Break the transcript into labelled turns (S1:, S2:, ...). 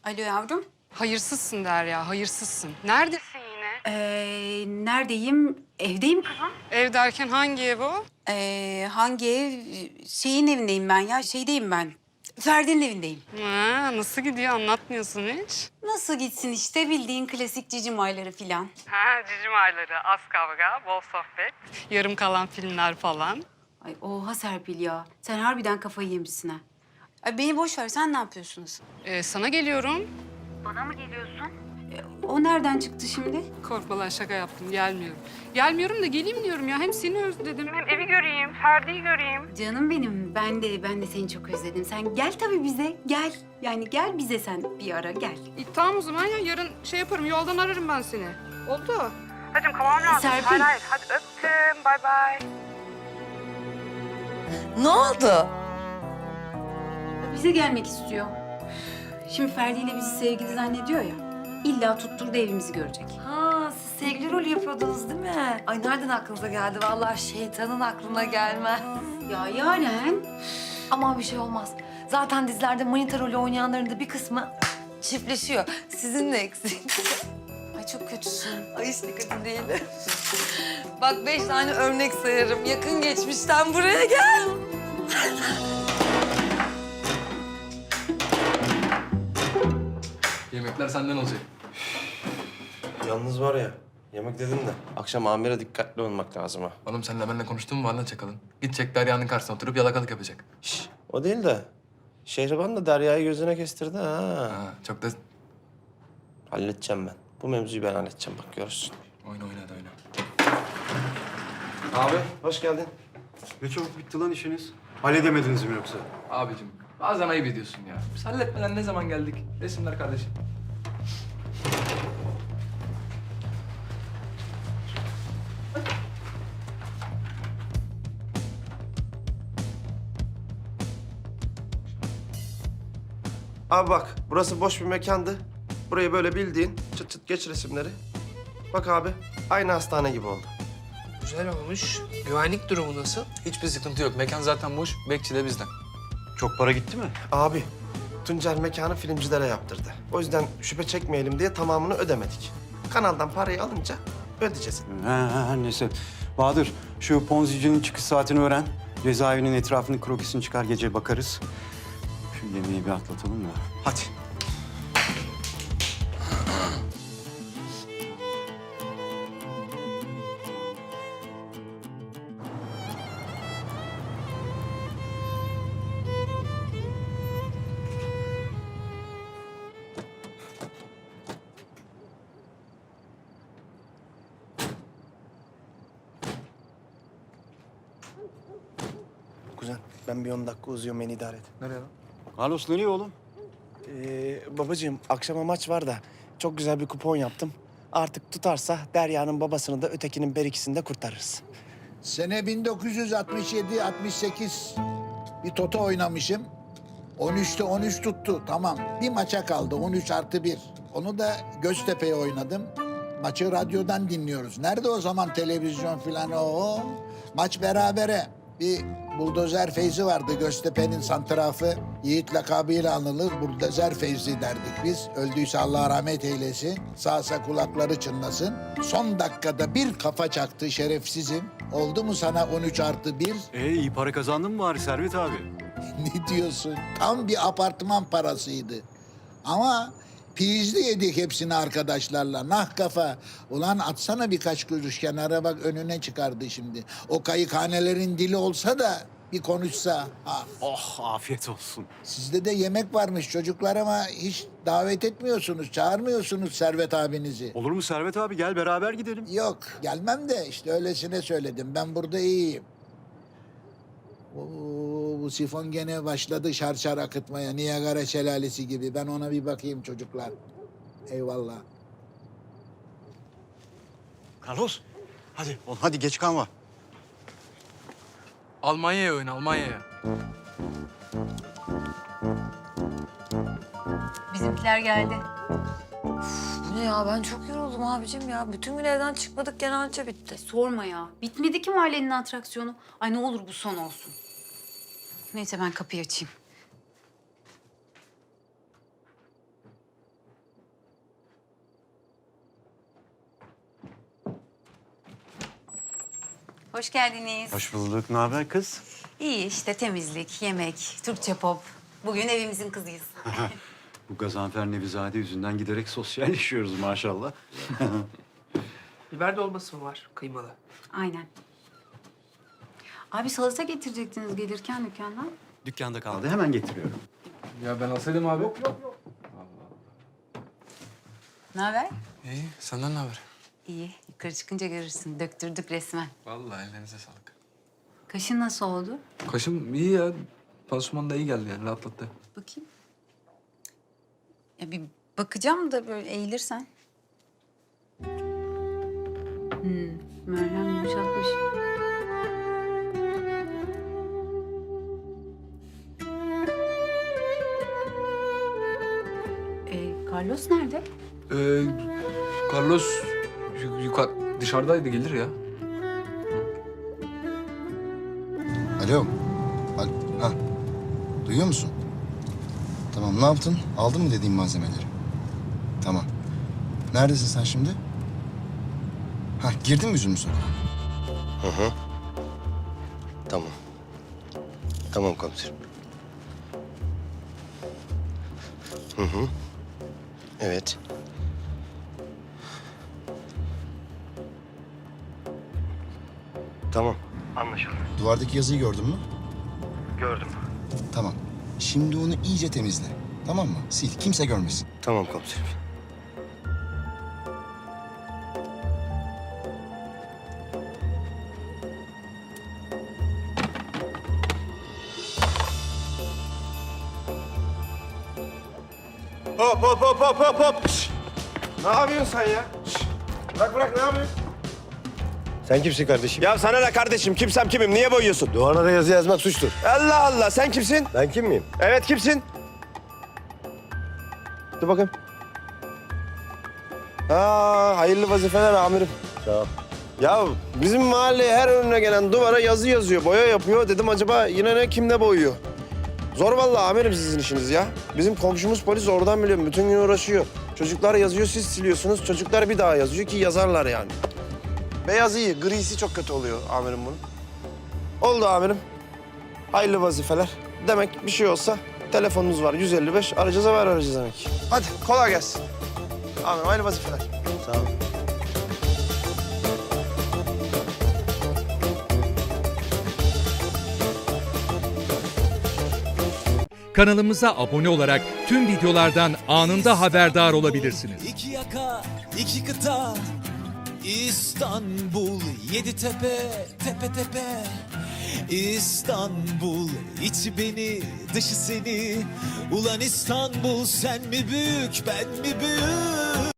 S1: Alo yavrum.
S2: Hayırsızsın Derya, hayırsızsın. Neredesin yine?
S1: Neredeyim? Evdeyim kızım.
S2: Ev derken hangi ev o?
S1: Hangi ev? Şeyin evindeyim ben ya. Şeydeyim ben. Ferdi'nin evindeyim.
S2: Ha, nasıl gidiyor anlatmıyorsun hiç.
S1: Nasıl gitsin işte bildiğin klasik cicim ayları filan.
S2: Ha, cicim ayları, az kavga, bol sohbet, yarım kalan filmler falan.
S1: Ay oha Serpil ya. Sen harbiden kafayı yemişsin ha. Ay beni boş ver. Sen ne yapıyorsun asıl?
S2: Sana geliyorum.
S1: Bana mı geliyorsun? O nereden çıktı şimdi?
S2: Korkma lan şaka yaptım, gelmiyorum. Gelmiyorum da geleyim diyorum ya. Hem seni özledim, hem evi göreyim, Ferdi'yi göreyim.
S1: Canım benim. Ben de seni çok özledim. Sen gel tabii bize. Gel. Yani gel bize sen bir ara gel.
S2: Tamam o zaman ya, yarın şey yaparım, yoldan ararım ben seni. Oldu. Hacım kalmam lazım.
S1: Serpil.
S2: Hayır, hadi öptüm, bay bay.
S3: Ne oldu?
S1: Bize gelmek istiyor. Şimdi Ferdi ile bizi sevgili zannediyor ya. İlla tutturdu evimizi görecek.
S3: Ha, siz sevgili rolü yapıyordunuz değil mi? Ay nereden aklınıza geldi? Vallahi şeytanın aklına gelmez.
S1: Ya Yaren.
S3: Aman bir şey olmaz. Zaten dizilerde manita rolü oynayanların da bir kısmı çiftleşiyor. Sizin de eksik.
S1: Ay çok kötüsün.
S3: Ay işte kötü değil. Bak 5 tane örnek sayarım. Yakın geçmişten buraya gel.
S4: Yemekler senden olacak.
S5: Yalnız var ya, yemek dedim de akşam amire dikkatli olmak lazım ha.
S4: Oğlum senle benimle konuştun mu var lan çakalın? Gidecek Derya'nın karşısına oturup yalakalık yapacak.
S5: Şş, o değil de Şehriban da Derya'yı gözüne kestirdi ha.
S4: Ha, çok da
S5: Halledeceğim ben. Bu mevzuyu ben halledeceğim bak görürsün.
S4: oyna hadi oyna.
S5: Abi hoş geldin.
S6: Ne çabuk bitti lan işiniz. Halledemediniz mi yoksa?
S4: Abicim bazen ayıp ediyorsun ya. Biz halletmeden ne zaman geldik? Resimler kardeşim.
S5: Abi bak burası boş bir mekandı. Burayı böyle bildiğin çıt çıt geç resimleri. Bak abi aynı hastane gibi oldu.
S7: Güzel olmuş. Güvenlik durumu nasıl?
S4: Hiçbir sıkıntı yok. Mekan zaten boş. Bekçi de bizden.
S6: Çok para gitti mi?
S5: Abi Tuncer mekanı filmcilere yaptırdı. O yüzden şüphe çekmeyelim diye tamamını ödemedik. Kanaldan parayı alınca ödeyeceğiz.
S6: Neyse. Bahadır, şu Ponzi'cinin çıkış saatini öğren. Cezaevinin etrafını krokisini çıkar, gece bakarız. Şu yemeği bir atlatalım da. Hadi.
S5: Kuzen ben bir 10 dakika uzuyorum beni idare et.
S4: Nereye lan?
S6: Carlos nereye oğlum?
S5: Babacığım akşama maç var da çok güzel bir kupon yaptım. Artık tutarsa Derya'nın babasını da ötekinin berikisini de kurtarırız.
S8: Sene 1967-68 bir toto oynamışım. 13'te 13 tuttu. Tamam. Bir maça kaldı. 13+1. Onu da Göztepe'ye oynadım. Maçı radyodan dinliyoruz. Nerede o zaman televizyon filan o? Maç berabere. Bir buldozer Feyzi vardı Göztepe'nin santrafı. Yiğit lakabıyla anılır. Buldozer Feyzi derdik biz. Öldüyse Allah rahmet eylesin. Sağsa kulakları çınlasın. Son dakikada bir kafa çaktı şerefsizim. Oldu mu sana 13+1?
S6: İyi para kazandın mı bari Servet abi?
S8: Ne diyorsun? Tam bir apartman parasıydı. Ama pizli yedik hepsini arkadaşlarla. Nah kafa. Ulan atsana birkaç kuruş kenara bak önüne çıkardı şimdi. O kayıkhanelerin dili olsa da bir konuşsa. Ha.
S6: Oh, afiyet olsun.
S8: Sizde de yemek varmış çocuklar ama hiç davet etmiyorsunuz, çağırmıyorsunuz Servet abinizi.
S6: Olur mu Servet abi? Gel beraber gidelim.
S8: Yok gelmem de işte öylesine söyledim. Ben burada iyiyim. Oo, bu sifon gene başladı şarşar akıtmaya. Niagara şelalesi gibi. Ben ona bir bakayım çocuklar. Eyvallah.
S6: Carlos, hadi oğlum hadi geç kalma.
S4: Almanya'ya oyna Almanya'ya.
S1: Bizimkiler geldi.
S3: Bu ne ya? Ben çok yoruldum abicim ya. Bütün gün evden çıkmadık gene anca bitti.
S1: Sorma ya. Bitmedi ki mahallenin atraksiyonu. Ay ne olur bu son olsun. Neyse ben kapıyı açayım. hoş geldiniz.
S6: Hoş bulduk. Ne haber kız?
S1: İyi işte temizlik, yemek, Türkçe pop. Bugün evimizin kızıyız.
S6: Bu Gazanfer Nevizade yüzünden giderek sosyalleşiyoruz maşallah.
S7: Biber dolması mı var kıymalı?
S1: Aynen. Abi salata getirecektiniz gelirken dükkandan.
S6: Dükkanda kaldı. Hemen getiriyorum.
S4: Ya ben alsaydım abi.
S1: Ne haber?
S4: İyi, senden ne haber?
S1: İyi. Yukarı çıkınca görürsün. Döktürdük resmen.
S4: Vallahi ellerinize sağlık.
S1: Kaşın nasıl oldu?
S4: Kaşım iyi ya. Pansuman da iyi geldi yani, rahatlattı.
S1: Bakayım. Ya bir bakacağım da böyle eğilirsen. Merhem yumuşatmış. Carlos nerede?
S4: Carlos yukarı dışarıdaydı, gelir ya.
S9: Alo. Ha. Duyuyor musun? Tamam, ne yaptın? Aldın mı dediğim malzemeleri? Tamam. Neredesin sen şimdi? Ha, girdin mi Üzümlü Sokağa?
S10: Hı hı. Tamam. Tamam komiserim. Hı hı. Evet. Tamam. Anlaşıldı.
S9: Duvardaki yazıyı gördün mü?
S10: Gördüm.
S9: Tamam. Şimdi onu iyice temizle. Tamam mı? Sil. Kimse görmesin.
S10: Tamam komiserim.
S5: Hop hop hop hop hop hop. Şş! Ne yapıyorsun sen ya? Şş! Bırak bırak, ne yapıyorsun?
S10: Sen kimsin kardeşim?
S5: Ya sana ne kardeşim? Kimsem kimim? Niye boyuyorsun?
S10: Duvara da yazı yazmak suçtur.
S5: Allah Allah, sen kimsin?
S10: Ben kim miyim?
S5: Evet, kimsin? Dur bakayım. Ha, hayırlı vazifeler amirim.
S10: Sağ ol.
S5: Ya bizim mahalleye her önüne gelen duvara yazı yazıyor, boya yapıyor. Dedim acaba yine ne, kim ne boyuyor? Zor vallahi amirim sizin işiniz ya. Bizim komşumuz polis, oradan biliyorum. Bütün gün uğraşıyor. Çocuklar yazıyor, siz siliyorsunuz. Çocuklar bir daha yazıyor ki yazarlar yani. Beyaz iyi, grisi çok kötü oluyor amirim bunun. Oldu amirim. Hayırlı vazifeler. Demek bir şey olsa telefonunuz var 155. Arayacağız, haber arayacağız demek. Hadi kolay gelsin. Amirim hayırlı vazifeler.
S10: Sağ ol.
S11: Kanalımıza abone olarak tüm videolardan anında haberdar olabilirsiniz.
S12: İki yaka, iki kıta, İstanbul, yedi tepe, tepe tepe. İstanbul, içi beni, dışı seni. Ulan İstanbul, sen mi büyük, ben mi büyük?